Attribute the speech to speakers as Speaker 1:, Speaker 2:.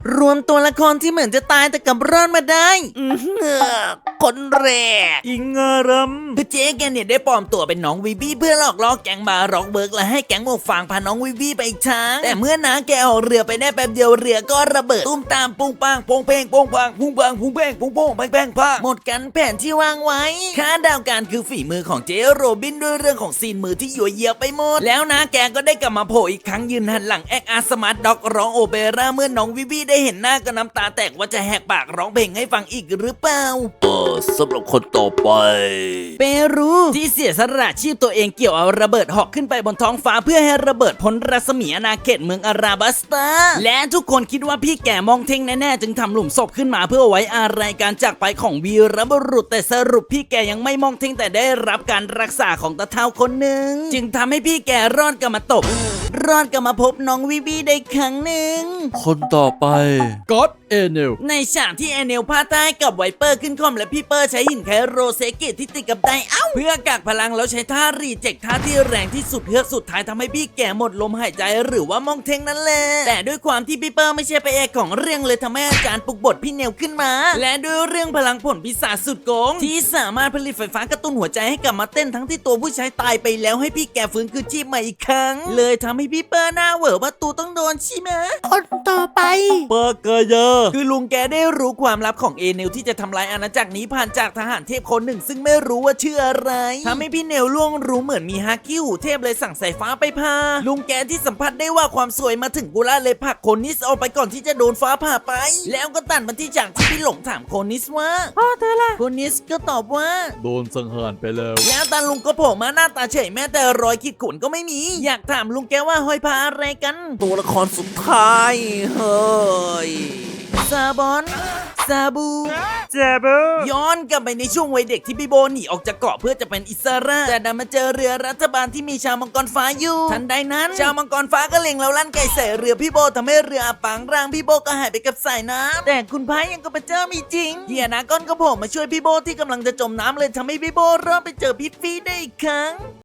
Speaker 1: รวมตัวละครที่เหมือนจะตายแต่กลับรอดมาได้คนแรก
Speaker 2: อิงอารัม
Speaker 1: คือเจ๊แกเนี่ยได้ปลอมตัวเป็นน้องวีบี้เพื่อหลอกล่อแก๊งบาร็อกเบิร์กและให้แก๊งหมวกฟางพาน้องวีบี้ไปอีกทางแต่เมื่อน้าแกออกเรือไปได้แป๊บเดียวเรือก็ระเบิดตุ้มตามปุ้งปังโปงเพงโปงปังปุ้งปังปุ้งเพงปุ้งโปงแพงแพงพังหมดกันแผนที่วางไว้ค่าดาวการคือฝีมือของเจ๊โรบินด้วยเรื่องของซีนมือที่ยั่วเยียไปหมดแล้วน้าแกก็ได้กลับมาโผล่อีกครั้งยืนหันหลังแอคอาร์สมาร์ทด็อกร้องโอเปร่าเมื่อน้องวีบี้ได้เห็นหน้าก็น้ำตาแตกว่าจะแหกปากร้องเพลงให้ฟังอีกหรือเปล่า
Speaker 2: สำหรับคนต่อไป
Speaker 1: เปรูที่เสียสละชีพตัวเองเกี่ยวเอาระเบิดหอกขึ้นไปบนท้องฟ้าเพื่อให้ระเบิดพ้นรัศมีอาณาเขตเมืองอาราบัสตาและทุกคนคิดว่าพี่แก่มองเท่งแน่ๆจึงทำหลุมศพขึ้นมาเพื่อไว้อาลัยการจากไปของวีรบุรุษแต่สรุปพี่แก่ยังไม่มองเท่งแต่ได้รับการรักษาของตาเฒ่าคนหนึ่งจึงทำให้พี่แก่รอดกลับมารอดกลับมาพบน้องวีบีได้ครั้งหนึ่ง
Speaker 2: คนต่อไปก็อดเอเนล
Speaker 1: ในฉากที่แอนเนลพาใต้กับไวเปอร์ขึ้นคอมและพี่เปอร์ใช้หินไคโรเซกิที่ติดกับไดเพื่อกักพลังแล้วใช้ท่ารีเจ็คท่าที่แรงที่สุดเพื่อสุดท้ายทำให้พี่แก่หมดลมหายใจหรือว่ามองเทงนั่นแหละแต่ด้วยความที่พี่เปอร์ไม่ใช่พระเอกของเรื่องเลยทำให้อาจารย์ปลุกบทพี่เนลขึ้นมา และด้วยเรื่องพลังผลพิศาจสุดโกงที่สามารถผลิตไฟฟ้ากระตุ้นหัวใจให้กลับมาเต้นทั้งที่ตัวผู้ใช้ตายไปแล้วให้พี่แก่ฟื้นคืนชีพใหม่อีกครั้งเลยทำให้พี่เปอร์หน้าเหวอว่าตูต้องโดนใช่ไหมคนต่อไป
Speaker 2: ปากกายา
Speaker 1: คือลุงแกได้รู้ความลับของเอเนลที่จะทำลายอาณาจักรนี้ผ่านจากทหารเทพคนหนึ่งซึ่งไม่รู้ว่าชื่ออะไรทำให้พี่เนลล่วงรู้เหมือนมีฮักกี้หูเทพเลยสั่งสายฟ้าไปพาลุงแกที่สัมผัสได้ว่าความสวยมาถึงกุล่าเลยผลักโคนิสออกไปก่อนที่จะโดนฟ้าผ่าไป แล้วก็ตัดมาที่จากที่พี่หลงถามโคนิสว่าพ่อเธอล่ะโคนิสก็ตอบว่า
Speaker 2: โดนสังหารไปแล้ว
Speaker 1: แล้วตาลุงก็โผล่มาหน้าตาเฉยแม้แต่รอยขีดข่วนก็ไม่มี อยากถามลุงแกว่าห้อยพาอะไรกัน
Speaker 2: ตัวละครสุดท้ายเฮ้ย
Speaker 1: ซาบอนซาบู
Speaker 2: เจ็บ
Speaker 1: ย้อนกลับไปในช่วงวัยเด็กที่พี่โบหนีออกจากเกาะเพื่อจะเป็นอิสระแต่ดันมาเจอเรือรัฐบาลที่มีชาวมังกรฟ้าอยู่ทันใดนั้นชาวมังกรฟ้าก็เล็งแล้วลั่นไกใส่เรือพี่โบทำให้เรืออับปางร่างพี่โบก็หายไปกับสายน้ำแต่คุณพายยังกับพระเจ้ามีจริงเฮียนาก้อนก็โผล่มาช่วยพี่โบที่กำลังจะจมน้ำเลยทำให้พี่โบรอดไปเจอพี่ฟีได้อีกครั้ง